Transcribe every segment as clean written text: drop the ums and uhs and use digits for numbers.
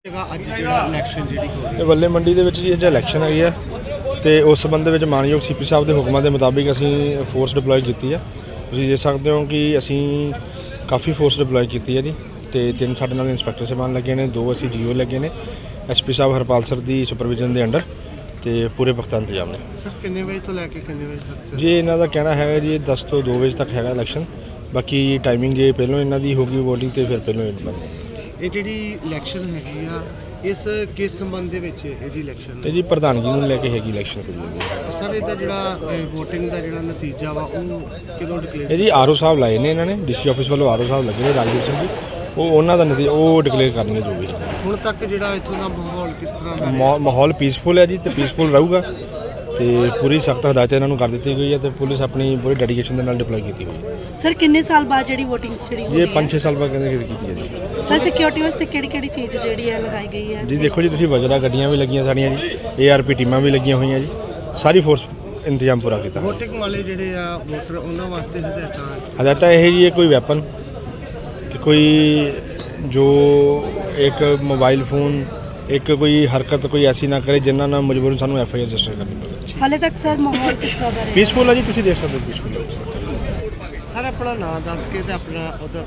ਬੱਲੇ ਮੰਡੀ ਦੇ ਵਿੱਚ ਜੀ ਅੱਜ ਇਲੈਕਸ਼ਨ ਹੈਗੀ ਆ ਤੇ ਉਸ ਸੰਬੰਧ ਵਿੱਚ ਮਾਨਯੋਗ ਸੀਪੀ ਸਾਹਿਬ ਦੇ ਹੁਕਮਾਂ ਦੇ ਮੁਤਾਬਿਕ ਅਸੀਂ ਫੋਰਸ ਡਿਪਲੋਏ ਕੀਤੀ ਆ। ਤੁਸੀਂ ਦੇਖ ਸਕਦੇ ਹੋ ਕਿ ਅਸੀਂ ਕਾਫੀ ਫੋਰਸ ਡਿਪਲੋਏ ਕੀਤੀ ਹੈ ਜੀ ਤੇ 3 ਸਾਡੇ ਨਾਲ ਇੰਸਪੈਕਟਰ ਸਾਹਿਬਾਨ ਲੱਗੇ ਨੇ, 2 ਅਸੀਂ ਜੀਓ ਲੱਗੇ ਨੇ, ਐਸਪੀ ਸਾਹਿਬ ਹਰਪਾਲ ਸਰ ਦੀ ਸੁਪਰਵਿਜ਼ਨ ਦੇ ਅੰਡਰ ਤੇ ਪੂਰੇ ਪੁਖਤਾ ਇੰਤਜ਼ਾਮ ਨੇ। ਸਰ ਕਿੰਨੇ ਵਜੇ ਤੋਂ ਲੈ ਕੇ ਕਿੰਨੇ ਵਜੇ ਤੱਕ ਜੀ ਇਹਨਾਂ ਦਾ ਕਹਿਣਾ ਹੈਗਾ ਜੀ 10 ਤੋਂ 2 ਵਜੇ ਤੱਕ ਹੈਗਾ ਇਲੈਕਸ਼ਨ। ਬਾਕੀ ਟਾਈਮਿੰਗ ਜੇ ਪਹਿਲਾਂ ਇਹਨਾਂ ਦੀ ਹੋਗੀ ਵੋਟਿੰਗ ਤੇ ਫਿਰ ਪਹਿਲਾਂ ਇਹ ਜਿਹੜੀ ਇਲੈਕਸ਼ਨ ਹੈਗੀ ਆ ਇਸ ਕਿਸ ਸੰਬੰਧ ਦੇ ਵਿੱਚ ਇਹਦੀ ਇਲੈਕਸ਼ਨ ਤੇ ਜੀ ਪ੍ਰਧਾਨਗੀ ਨੂੰ ਲੈ ਕੇ ਹੈਗੀ ਇਲੈਕਸ਼ਨ ਕੋਈ ਸਰ ਇਹਦਾ ਜਿਹੜਾ VOTING ਦਾ ਜਿਹੜਾ ਨਤੀਜਾ ਵਾ ਉਹ ਕਿਦੋਂ ਡਿਕਲੇਅਰ ਇਹ ਜੀ ਆਰਓ ਸਾਹਿਬ ਲਾਏ ਨੇ ਇਹਨਾਂ ਨੇ, ਡੀਸੀ ਆਫਿਸ ਵੱਲੋਂ ਆਰਓ ਸਾਹਿਬ ਲੱਗੇ ਨੇ ਰਾਜਵੀਰ ਸਿੰਘ ਜੀ, ਉਹ ਉਹਨਾਂ ਦਾ ਨਤੀਜਾ ਉਹ ਡਿਕਲੇਅਰ ਕਰਨਗੇ ਜੋ ਵੀ। ਹੁਣ ਤੱਕ ਜਿਹੜਾ ਇੱਥੋਂ ਦਾ ਮਾਹੌਲ ਕਿਸ ਤਰ੍ਹਾਂ ਦਾ ਮਾਹੌਲ ਪੀਸਫੁਲ ਹੈ ਜੀ ਤੇ ਪੀਸਫੁਲ ਰਹੂਗਾ ਤੇ ਪੂਰੀ ਸਖਤ ਹਦਾਇਤ ਇਹਨਾਂ ਨੂੰ ਕਰ ਦਿੱਤੀ ਗਈ ਹੈ ਤੇ ਪੁਲਿਸ ਆਪਣੀ ਪੂਰੀ ਡੈਡੀਕੇਸ਼ਨ ਦੇ ਨਾਲ ਡਿਪਲੋਏ ਕੀਤੀ ਹੋਈ ਹੈ। ਸਰ ਕਿੰਨੇ ਸਾਲ ਬਾਅਦ ਜਿਹੜੀ VOTING ਜਿਹੜੀ ਹੋਈ ਹੈ? ਇਹ 5-6 ਸਾਲ ਬਾਅਦ ਕਹਿੰਦੇ ਕੀਤੀ ਹੈ ਜੀ। ਸਰ ਸਿਕਿਉਰਿਟੀ ਵਾਸਤੇ ਕਿਹੜੀ ਚੀਜ਼ ਜਿਹੜੀ ਹੈ ਲਗਾਈ ਗਈ ਹੈ? ਜੀ ਦੇਖੋ ਜੀ ਤੁਸੀਂ ਵਜਰਾ ਗੱਡੀਆਂ ਵੀ ਲੱਗੀਆਂ ਸਾਡੀਆਂ ਜੀ, ARP ਟੀਮਾਂ ਵੀ ਲੱਗੀਆਂ ਹੋਈਆਂ ਜੀ, ਸਾਰੀ ਫੋਰਸ ਇੰਤਜ਼ਾਮ ਪੂਰਾ ਕੀਤਾ। VOTING ਵਾਲੇ ਜਿਹੜੇ ਆ ਵੋਟਰ ਉਹਨਾਂ ਵਾਸਤੇ ਹਦਾਇਤਾਂ ਇਹ ਜੀ ਕੋਈ ਵੈਪਨ ਤੇ ਕੋਈ ਜੋ ਇੱਕ ਮੋਬਾਈਲ ਫੋਨ ਇੱਕ ਕੋਈ ਹਰਕਤ ਕੋਈ ਐਸੀ ਨਾ ਕਰੇ ਜਿਨ੍ਹਾਂ ਨਾਲ ਮਜਬੂਰਨ ਸਾਨੂੰ FIR ਰਜਿਸਟਰ ਕਰਨੀ ਪਵੇ। ਹਾਲੇ ਤੱਕ ਸਰ ਮਾਹੌਲ ਕਿਸ ਤਰ੍ਹਾਂ ਦਾ ਰਿਹਾ? ਪੀਸਫੁਲ ਹੈ ਜੀ, ਤੁਸੀਂ ਦੇਖ ਸਕਦੇ ਹੋ ਪੀਸਫੁਲ ਹੈ। ਸਰ ਆਪਣਾ ਨਾਮ ਦੱਸ ਕੇ ਤੇ ਆਪਣਾ ਅਹੁਦਾ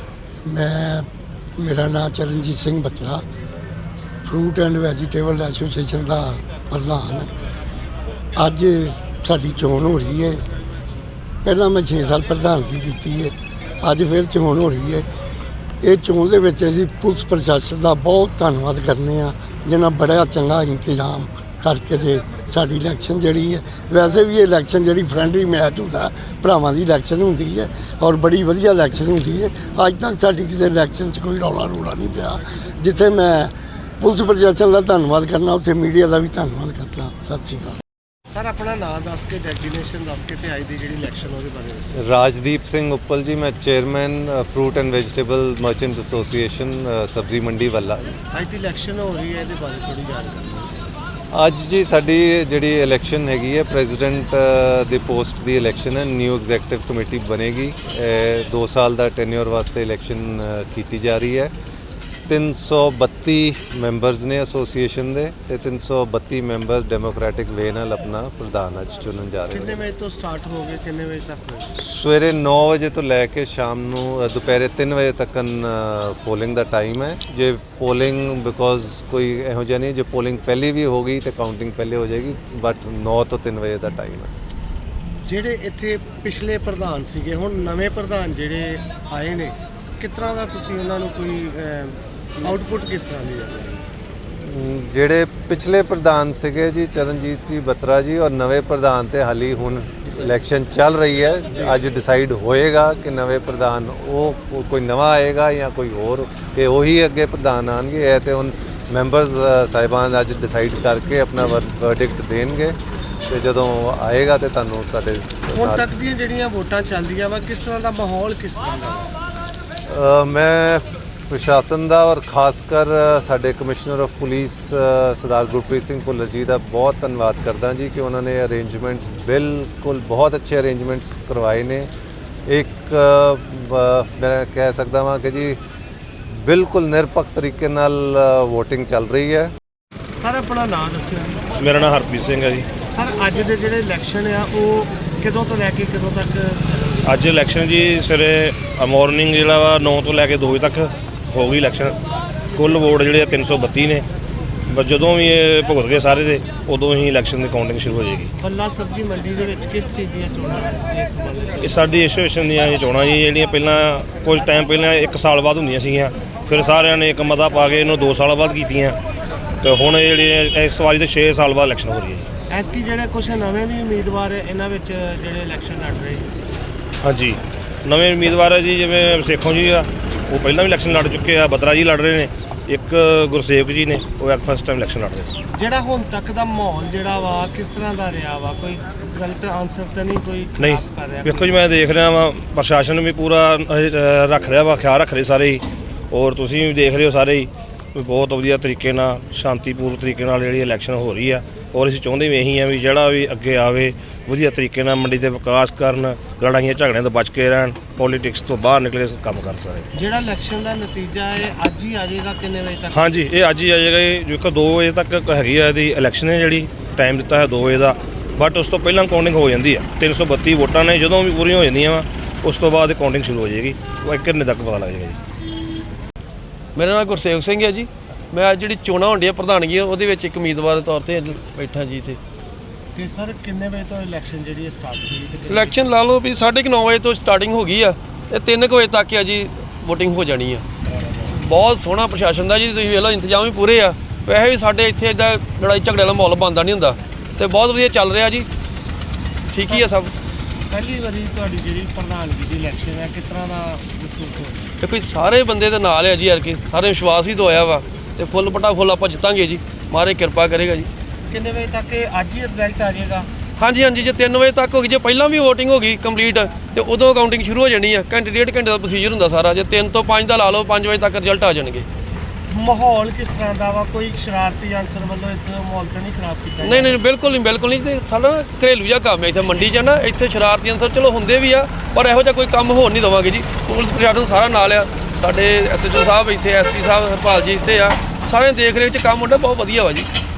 ਦੱਸੋ। ਮੇਰਾ ਨਾਮ Charanjit Singh Batra, fruit and vegetable association ਦਾ ਪ੍ਰਧਾਨ। ਅੱਜ ਸਾਡੀ ਚੋਣ ਹੋ ਰਹੀ ਹੈ। ਪਹਿਲਾਂ ਮੈਂ 6 ਸਾਲ ਪ੍ਰਧਾਨਗੀ ਕੀਤੀ ਹੈ, ਅੱਜ ਫਿਰ ਚੋਣ ਹੋ ਰਹੀ ਹੈ। ਇਹ ਚੋਣ ਦੇ ਵਿੱਚ ਅਸੀਂ ਪੁਲਿਸ ਪ੍ਰਸ਼ਾਸਨ ਦਾ ਬਹੁਤ ਧੰਨਵਾਦ ਕਰਨੇ ਆ, ਜਿਨ੍ਹਾਂ ਬੜਾ ਚੰਗਾ ਇੰਤਜ਼ਾਮ ਕਰਕੇ ਤੇ ਸਾਡੀ ਇਲੈਕਸ਼ਨ ਜਿਹੜੀ ਹੈ, ਵੈਸੇ ਵੀ ਇਹ ਇਲੈਕਸ਼ਨ ਜਿਹੜੀ ਫਰੈਂਡਲੀ ਮੈਚ ਹੁੰਦਾ, ਭਰਾਵਾਂ ਦੀ ਇਲੈਕਸ਼ਨ ਹੁੰਦੀ ਹੈ ਔਰ ਬੜੀ ਵਧੀਆ ਇਲੈਕਸ਼ਨ ਹੁੰਦੀ ਹੈ। ਅੱਜ ਤੱਕ ਸਾਡੀ ਕਿਸੇ ਇਲੈਕਸ਼ਨ 'ਚ ਕੋਈ ਰੌਲਾ ਨਹੀਂ ਪਿਆ। ਜਿੱਥੇ ਮੈਂ ਪੁਲਿਸ ਪ੍ਰਸ਼ਾਸਨ ਦਾ ਧੰਨਵਾਦ ਕਰਨਾ, ਉੱਥੇ ਮੀਡੀਆ ਦਾ ਵੀ ਧੰਨਵਾਦ ਕਰਦਾ। ਸਤਿ ਸ਼੍ਰੀ ਅਕਾਲ। ਸਰ ਆਪਣਾ ਨਾਮ ਦੱਸ ਕੇ ਡੈਜ਼ਿਗਨੇਸ਼ਨ ਦੱਸ ਕੇ ਤੇ ਅੱਜ ਦੀ ਜਿਹੜੀ ਇਲੈਕਸ਼ਨ ਉਹਦੇ ਬਾਰੇ ਦੱਸੋ। ਰਾਜਦੀਪ ਸਿੰਘ ਉੱਪਲ ਜੀ, ਮੈਂ chairman fruit and vegetable merchant association ਸਬਜ਼ੀ ਮੰਡੀ ਵੱਲਾ। ਅੱਜ ਦੀ ਇਲੈਕਸ਼ਨ ਹੋ ਰਹੀ ਹੈ, ਇਹਦੇ ਬਾਰੇ ਥੋੜੀ ਜਾਣਕਾਰੀ। ਅੱਜ ਜੀ ਸਾਡੀ ਜਿਹੜੀ ਇਲੈਕਸ਼ਨ ਹੈਗੀ ਹੈ ਪ੍ਰੈਜ਼ੀਡੈਂਟ ਦੀ ਪੋਸਟ ਦੀ ਇਲੈਕਸ਼ਨ ਹੈ। ਨਿਊ ਐਗਜ਼ੈਕਟਿਵ ਕਮੇਟੀ ਬਣੇਗੀ। 2 ਸਾਲ ਦਾ ਟੈਨਿਓਰ ਵਾਸਤੇ ਇਲੈਕਸ਼ਨ ਕੀਤੀ ਜਾ ਰਹੀ ਹੈ। 332 ਮੈਂਬਰਸ ਨੇ ਐਸੋਸੀਏਸ਼ਨ ਦੇ ਤੇ 332 ਮੈਂਬਰ ਡੈਮੋਕ੍ਰੈਟਿਕ ਵੇ ਨਾਲ ਆਪਣਾ ਪ੍ਰਧਾਨ ਅੱਜ ਚੁਣਨ ਜਾ ਰਹੇ ਨੇ। ਕਿੰਨੇ ਵਜੇ ਤੋਂ ਸਟਾਰਟ ਹੋ ਗਏ, ਕਿੰਨੇ ਵਜੇ ਤੱਕ ਹੋਏ? ਸਵੇਰੇ 9 ਵਜੇ ਤੋਂ ਲੈ ਕੇ ਸ਼ਾਮ ਨੂੰ ਦੁਪਹਿਰੇ 3 ਵਜੇ ਤੱਕ ਪੋਲਿੰਗ ਦਾ ਟਾਈਮ ਹੈ। ਜੇ ਪੋਲਿੰਗ ਬਿਕੋਜ਼ ਕੋਈ ਇਹੋ ਜਿਹਾ ਨਹੀਂ, ਜੇ ਪੋਲਿੰਗ ਪਹਿਲੀ ਵੀ ਹੋ ਗਈ ਤੇ ਕਾਊਂਟਿੰਗ ਪਹਿਲੇ ਹੋ ਜਾਏਗੀ, ਬਟ 9 ਤੋਂ 3 ਵਜੇ ਦਾ ਟਾਈਮ ਹੈ। ਜਿਹੜੇ ਇੱਥੇ ਪਿਛਲੇ ਪ੍ਰਧਾਨ ਸੀਗੇ, ਹੁਣ ਨਵੇਂ ਪ੍ਰਧਾਨ ਜਿਹੜੇ ਆਏ ਨੇ, ਕਿਸ ਤਰ੍ਹਾਂ ਦਾ ਤੁਸੀਂ ਉਹਨਾਂ ਨੂੰ ਕੋਈ ਆਊਟਪੁੱਟ ਕਿਸ ਤਰ੍ਹਾਂ ਦੀ ਹੈ? ਜਿਹੜੇ ਪਿਛਲੇ ਪ੍ਰਧਾਨ ਸੀਗੇ ਜੀ ਚਰਨਜੀਤ ਜੀ ਬੱਤਰਾ ਜੀ, ਔਰ ਨਵੇਂ ਪ੍ਰਧਾਨ ਤੇ ਹਾਲੀ ਹੁਣ ਇਲੈਕਸ਼ਨ ਚੱਲ ਰਹੀ ਹੈ। ਅੱਜ ਡਿਸਾਈਡ ਹੋਏਗਾ ਕਿ ਨਵੇਂ ਪ੍ਰਧਾਨ ਉਹ ਕੋਈ ਨਵਾਂ ਆਏਗਾ ਜਾਂ ਕੋਈ ਹੋਰ, ਕਿ ਉਹੀ ਅੱਗੇ ਪ੍ਰਧਾਨ ਆਣਗੇ। ਇਹ ਤੇ ਹੁਣ ਮੈਂਬਰਸ ਸਾਹਿਬਾਨ ਅੱਜ ਡਿਸਾਈਡ ਕਰਕੇ ਆਪਣਾ ਵਰਡਿਕਟ ਦੇਣਗੇ ਤੇ ਜਦੋਂ ਆਏਗਾ ਤੇ ਤੁਹਾਨੂੰ ਤੁਹਾਡੇ ਹੁਣ ਤੱਕ ਦੀਆਂ ਜਿਹੜੀਆਂ ਵੋਟਾਂ ਚੱਲਦੀਆਂ ਵਾ, ਕਿਸ ਤਰ੍ਹਾਂ ਦਾ ਮਾਹੌਲ ਕਿਸ ਤਰ੍ਹਾਂ ਦਾ? ਮੈਂ ਪ੍ਰਸ਼ਾਸਨ ਦਾ ਔਰ ਖਾਸ ਕਰ ਸਾਡੇ commissioner of police Sardar Gurpreet Singh Bhullar ji ਦਾ ਬਹੁਤ ਧੰਨਵਾਦ ਕਰਦਾ ਜੀ ਕਿ ਉਹਨਾਂ ਨੇ ਅਰੇਂਜਮੈਂਟਸ ਬਿਲਕੁਲ ਬਹੁਤ ਅੱਛੇ ਅਰੇਂਜਮੈਂਟਸ ਕਰਵਾਏ ਨੇ। ਇੱਕ ਮੈਂ ਕਹਿ ਸਕਦਾ ਹਾਂ ਕਿ ਜੀ ਬਿਲਕੁਲ ਨਿਰਪੱਖ ਤਰੀਕੇ ਨਾਲ VOTING ਚੱਲ ਰਹੀ ਹੈ। ਸਰ ਆਪਣਾ ਨਾਮ ਦੱਸਿਓ। ਮੇਰਾ ਨਾਮ ਹਰਪ੍ਰੀਤ ਸਿੰਘ ਹੈ ਜੀ। ਸਰ ਅੱਜ ਦੇ ਜਿਹੜੇ ਇਲੈਕਸ਼ਨ ਆ ਉਹ ਕਦੋਂ ਤੋਂ ਲੈ ਕੇ ਕਦੋਂ ਤੱਕ? ਅੱਜ ਇਲੈਕਸ਼ਨ ਜੀ ਸਵੇਰੇ ਮਾਰਨਿੰਗ ਜਿਹੜਾ ਵਾ 9 ਤੋਂ ਲੈ ਕੇ 2 ਵਜੇ ਤੱਕ ਹੋ ਗਈ ਇਲੈਕਸ਼ਨ। ਕੁੱਲ ਵੋਟ ਜਿਹੜੇ 332 ਨੇ। ਬਸ ਜਦੋਂ ਵੀ ਇਹ ਭੁਗਤ ਗਏ ਸਾਰੇ ਦੇ, ਉਦੋਂ ਹੀ ਇਲੈਕਸ਼ਨ ਦੀ ਕਾਊਂਟਿੰਗ ਸ਼ੁਰੂ ਹੋ ਜਾਏਗੀ। ਬੱਲਾ ਸਬਜ਼ੀ ਮੰਡੀ ਦੇ ਵਿੱਚ ਕਿਸ ਚੀਜ਼ ਦੀਆਂ ਚੋਣਾਂ ਇਸ ਸੰਬੰਧ ਵਿੱਚ? ਇਹ ਸਾਡੀ ਐਸੋਸੀਏਸ਼ਨ ਦੀਆਂ ਇਹ ਚੋਣਾਂ ਜੀ, ਜਿਹੜੀਆਂ ਪਹਿਲਾਂ ਕੁਝ ਟਾਈਮ ਪਹਿਲਾਂ 1 ਸਾਲ ਬਾਅਦ ਹੁੰਦੀਆਂ ਸੀਗੀਆਂ, ਫਿਰ ਸਾਰਿਆਂ ਨੇ ਇੱਕ ਮਤਾ ਪਾ ਕੇ ਇਹਨੂੰ 2 ਸਾਲ ਬਾਅਦ ਕੀਤੀਆਂ ਤੇ ਹੁਣ ਜਿਹੜੀ ਇਸ ਵਾਰੀ ਤੇ 6 ਸਾਲ ਬਾਅਦ ਇਲੈਕਸ਼ਨ ਹੋ ਰਹੀ ਹੈ ਜੀ। ਐਤਕੀ ਜਿਹੜੇ ਕੁਝ ਨਵੇਂ ਵੀ ਉਮੀਦਵਾਰ ਇਹਨਾਂ ਵਿੱਚ ਜਿਹੜੇ ਇਲੈਕਸ਼ਨ ਲੜ ਰਹੇ? ਹਾਂਜੀ, ਨਵੇਂ ਉਮੀਦਵਾਰ ਹੈ ਜੀ, ਜਿਵੇਂ ਸੇਖੋਂ ਜੀ ਆ, ਉਹ ਪਹਿਲਾਂ ਵੀ ਇਲੈਕਸ਼ਨ ਲੜ ਚੁੱਕੇ ਆ। ਬੱਤਰਾ ਜੀ ਲੜ ਰਹੇ ਨੇ, ਇੱਕ ਗੁਰਸੇਵਕ ਜੀ ਨੇ, ਉਹ ਇੱਕ ਫਸਟ ਟਾਈਮ ਇਲੈਕਸ਼ਨ ਲੜ ਰਹੇ। ਜਿਹੜਾ ਹੁਣ ਤੱਕ ਦਾ ਮਾਹੌਲ ਜਿਹੜਾ ਵਾ ਕਿਸ ਤਰ੍ਹਾਂ ਦਾ ਰਿਹਾ ਵਾ? ਕੋਈ ਗਲਤ ਆਨਸਰ ਤਾਂ ਨਹੀਂ ਕੋਈ ਨਹੀਂ? ਕਰ ਰਿਹਾ? ਵੇਖੋ ਜੀ, ਮੈਂ ਦੇਖ ਰਿਹਾ ਵਾ ਪ੍ਰਸ਼ਾਸਨ ਵੀ ਪੂਰਾ ਰੱਖ ਰਿਹਾ ਵਾ, ਖਿਆਲ ਰੱਖ ਰਹੇ ਸਾਰੇ ਹੀ, ਔਰ ਤੁਸੀਂ ਵੀ ਦੇਖ ਰਹੇ ਹੋ ਸਾਰੇ ਹੀ, ਬਹੁਤ ਵਧੀਆ ਤਰੀਕੇ ਨਾਲ ਸ਼ਾਂਤੀਪੂਰਨ ਤਰੀਕੇ ਨਾਲ ਜਿਹੜੀ ਇਲੈਕਸ਼ਨ ਹੋ ਰਹੀ ਆ। ਔਰ ਅਸੀਂ ਚਾਹੁੰਦੇ ਵੀ ਇਹੀ ਆ ਵੀ ਜਿਹੜਾ ਵੀ ਅੱਗੇ ਆਵੇ ਵਧੀਆ ਤਰੀਕੇ ਨਾਲ ਮੰਡੀ ਦੇ ਵਿਕਾਸ ਕਰਨ, ਲੜਾਈਆਂ ਝਗੜਿਆਂ ਤੋਂ ਬਚ ਕੇ ਰਹਿਣ, ਪੋਲੀਟਿਕਸ ਤੋਂ ਬਾਹਰ ਨਿਕਲੇ ਕੰਮ ਕਰ ਸਾਰੇ। ਜਿਹੜਾ ਇਲੈਕਸ਼ਨ ਦਾ ਨਤੀਜਾ ਹੈ ਅੱਜ ਹੀ ਆ ਜਾਏਗਾ, ਕਿੰਨੇ ਵਜੇ ਤੱਕ? ਹਾਂਜੀ, ਇਹ ਅੱਜ ਹੀ ਆ ਜਾਏਗਾ। ਇਹ ਜੋ ਕਿ 2 ਵਜੇ ਤੱਕ ਹੈਗੀ ਆ ਇਹਦੀ ਇਲੈਕਸ਼ਨ ਹੈ, ਜਿਹੜੀ ਟਾਈਮ ਦਿੱਤਾ ਹੈ 2 ਵਜੇ ਦਾ, ਬਟ ਉਸ ਤੋਂ ਪਹਿਲਾਂ ਕਾਊਂਟਿੰਗ ਹੋ ਜਾਂਦੀ ਆ। 332 ਵੋਟਾਂ ਨੇ, ਜਦੋਂ ਵੀ ਪੂਰੀਆਂ ਹੋ ਜਾਂਦੀਆਂ ਵਾ ਉਸ ਤੋਂ ਬਾਅਦ ਕਾਊਂਟਿੰਗ ਸ਼ੁਰੂ ਹੋ ਜਾਏਗੀ। ਉਹ 1 ਘੰਟੇ ਤੱਕ ਪਤਾ ਲੱਗ ਜਾਏਗਾ ਜੀ। ਮੇਰਾ ਨਾਮ ਗੁਰਸੇਵ ਸਿੰਘ ਹੈ ਜੀ। ਮੈਂ ਅੱਜ ਜਿਹੜੀ ਚੋਣਾਂ ਹੁੰਦੀਆਂ ਪ੍ਰਧਾਨਗੀ ਉਹਦੇ ਵਿੱਚ ਇੱਕ ਉਮੀਦਵਾਰ ਦੇ ਤੌਰ ਤੇ ਅੱਜ ਬੈਠਾ ਜੀ ਇੱਥੇ। ਤੇ ਸਰ ਕਿੰਨੇ ਵਜੇ ਤੋਂ ਇਲੈਕਸ਼ਨ ਜਿਹੜੀ ਸਟਾਰਟ ਹੋਈ? ਇਲੈਕਸ਼ਨ ਲਾ ਲਓ ਵੀ 9:30 ਵਜੇ ਤੋਂ ਸਟਾਰਟਿੰਗ ਹੋ ਗਈ ਆ ਤੇ 3 ਵਜੇ ਤੱਕ ਆ ਜੀ VOTING ਹੋ ਜਾਣੀ ਆ। ਬਹੁਤ ਸੋਹਣਾ ਪ੍ਰਸ਼ਾਸਨ ਦਾ ਜੀ, ਤੁਸੀਂ ਵੇਖ ਲਓ ਇੰਤਜ਼ਾਮ ਵੀ ਪੂਰੇ ਆ। ਵੈਸੇ ਵੀ ਸਾਡੇ ਇੱਥੇ ਇੱਦਾਂ ਲੜਾਈ ਝਗੜੇ ਵਾਲਾ ਮਾਹੌਲ ਬਣਦਾ ਨਹੀਂ ਹੁੰਦਾ ਤੇ ਬਹੁਤ ਵਧੀਆ ਚੱਲ ਰਿਹਾ ਜੀ, ਠੀਕ ਹੀ ਆ ਸਭ। ਪਹਿਲੀ ਵਾਰੀ ਤੁਹਾਡੀ ਜਿਹੜੀ ਪ੍ਰਧਾਨਗੀ ਦੀ ਇਲੈਕਸ਼ਨ ਹੈ, ਕਿਸ ਤਰ੍ਹਾਂ ਦਾ ਮਹਿਸੂਸ ਹੋ ਰਿਹਾ? ਦੇਖੋ ਜੀ ਸਾਰੇ ਬੰਦੇ ਦੇ ਨਾਲ ਆ ਜੀ, ਯਾਰ ਕਿ ਸਾਰੇ ਵਿਸ਼ਵਾਸ ਹੀ ਦਵਾਇਆ ਵਾ ਤੇ ਫੁੱਲ ਪਟਾ ਫੁੱਲ ਆਪਾਂ ਜਿੱਤਾਂਗੇ ਜੀ, ਮਹਾਰਾਜ ਕਿਰਪਾ ਕਰੇਗਾ ਜੀ। ਕਿੰਨੇ ਵਜੇ ਤੱਕ ਇਹ ਅੱਜ ਹੀ ਰਿਜ਼ਲਟ ਆ ਜਾਏਗਾ? ਹਾਂਜੀ ਹਾਂਜੀ, ਜੇ 3 ਵਜੇ ਤੱਕ ਹੋ ਗਈ, ਜੇ ਪਹਿਲਾਂ ਵੀ VOTING ਹੋ ਗਈ ਕੰਪਲੀਟ ਤੇ ਉਦੋਂ ਕਾਊਂਟਿੰਗ ਸ਼ੁਰੂ ਹੋ ਜਾਣੀ ਆ। ਘੰਟੇ 1.5 ਘੰਟੇ ਦਾ ਪ੍ਰੋਸੀਜਰ ਹੁੰਦਾ ਸਾਰਾ। ਜੇ 3 ਤੋਂ 5 ਦਾ ਲਾ ਲਓ, 5 ਵਜੇ ਤੱਕ ਰਿਜ਼ਲਟ ਆ ਜਾਣਗੇ। ਮਾਹੌਲ ਕਿਸ ਤਰ੍ਹਾਂ ਦਾ ਵਾ? ਕੋਈ ਸ਼ਰਾਰਤੀ ਅਨਸਰ ਵੱਲੋਂ ਇੱਥੇ ਮਾਹੌਲ ਤਾਂ ਨਹੀਂ ਖਰਾਬ ਕੀਤਾ? ਨਹੀਂ ਨਹੀਂ, ਬਿਲਕੁਲ ਨਹੀਂ ਤੇ ਸਾਡਾ ਨਾ ਘਰੇਲੂ ਜਿਹਾ ਕੰਮ ਹੈ ਇੱਥੇ ਮੰਡੀ 'ਚ ਨਾ। ਇੱਥੇ ਸ਼ਰਾਰਤੀ ਅਨਸਰ ਚਲੋ ਹੁੰਦੇ ਵੀ ਆ, ਪਰ ਇਹੋ ਜਿਹਾ ਕੋਈ ਕੰਮ ਹੋਣ ਨਹੀਂ ਦੇਵਾਂਗੇ ਜੀ। ਪੁਲਿਸ ਪ੍ਰਸ਼ਾਸਨ ਸਾਰਾ ਨਾਲ ਆ, ਸਾਡੇ SHO ਸਾਹਿਬ ਇੱਥੇ, SP ਸਾਹਿਬ ਹਰਪਾਲ ਜੀ ਇੱਥੇ ਆ, ਸਾਰੇ ਦੇਖ ਰੇਖ 'ਚ ਕੰਮ ਹੁੰਦਾ ਬਹੁਤ ਵਧੀਆ ਵਾ ਜੀ।